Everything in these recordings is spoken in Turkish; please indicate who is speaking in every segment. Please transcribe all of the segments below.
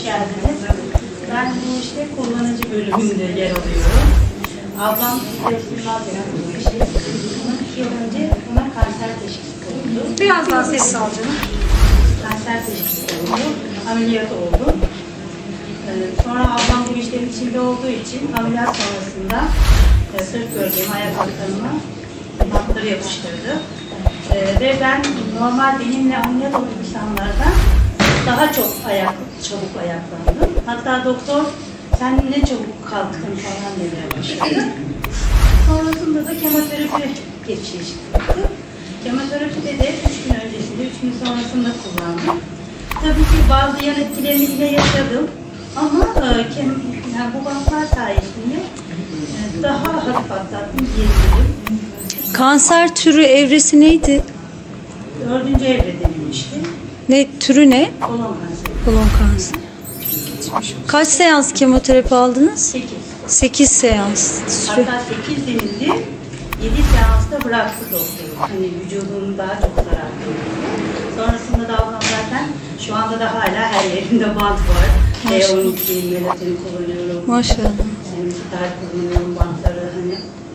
Speaker 1: geldiniz. Ben bu işte kullanıcı bölümünde yer alıyorum. Ablam Yılmaz denen bir şey. Bunun 2 yıl önce ona kanser teşhisi konuldu.
Speaker 2: Biraz daha sessiz al canım.
Speaker 1: Kanser teşhisi konuldu. Ameliyat oldu. Sonra ablam bu işlerin içinde olduğu için ameliyat sonrasında sırt bölgeme, ayak altlarıma bantları yapıştırdı. Ve ben normal benimle ameliyat olan insanlardan daha çok çabuk ayaklandım. Hatta doktor sen ne çabuk kalktın falan demeye başladı. Sonrasında da kemoterapi geçişi çıktı. Kemoterapide de 3 gün öncesinde, 3 gün sonrasında kullandım. Tabii ki bazı yan etkilerini yine yaşadım. Ama yani bu bantlar sayesinde daha hafif atlattım diyebilirim.
Speaker 3: Kanser türü evresi neydi?
Speaker 1: 4. evre denilmişti.
Speaker 3: Ne türü ne?
Speaker 1: Kolon kanseri.
Speaker 3: Kolon kanseri. Kaç seans kemoterapi aldınız?
Speaker 1: 8.
Speaker 3: 8 seans.
Speaker 1: Hatta 8 denildi. 7 seansta bıraktı doktor. Hani vücudum daha çok zarar görüyor. Sonrasında da ablam zaten şu anda da hala her yerinde bant var. B12, melatonin kullanıyorum.
Speaker 3: Maşallah.
Speaker 1: Gitar kullanıyorum, bantları hani.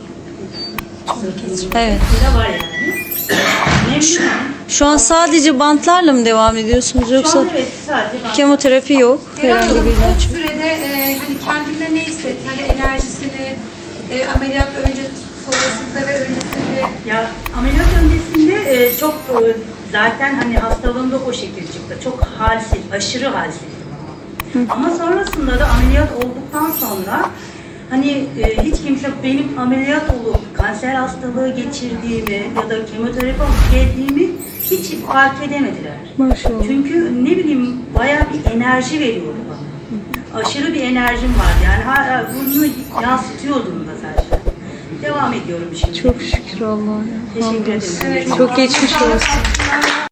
Speaker 3: Evet.
Speaker 1: Bir var yani. Memnunum.
Speaker 3: Şu an sadece bantlarla mı devam ediyorsunuz
Speaker 1: Şu
Speaker 3: yoksa
Speaker 1: an evet sadece bant.
Speaker 3: kemoterapi yok? Herhangi bir
Speaker 2: O
Speaker 3: ilaç.
Speaker 2: sürede hani kendinde ne hissetti? Hani enerjisini, ameliyat önce, sonrasında ve öncesinde.
Speaker 1: Ya ameliyat öncesinde çok zaten hani hastalığımda o şekil çıktı. Çok halsiz, aşırı halsizdim ama. Ama sonrasında da ameliyat olduktan sonra hani hiç kimse benim ameliyat olup kanser hastalığı geçirdiğimi ya da kemoterapi alıp geldiğimi hiç fark edemediler.
Speaker 3: Maşallah.
Speaker 1: Çünkü ne bileyim bayağı bir enerji veriyordu bana. Aşırı bir enerjim vardı yani bunu yansıtıyordum da zaten. Devam ediyorum şimdi.
Speaker 3: Çok şükür Allah'a.
Speaker 1: Teşekkür ederim.
Speaker 2: Evet,
Speaker 3: Çok geçmiş olsun.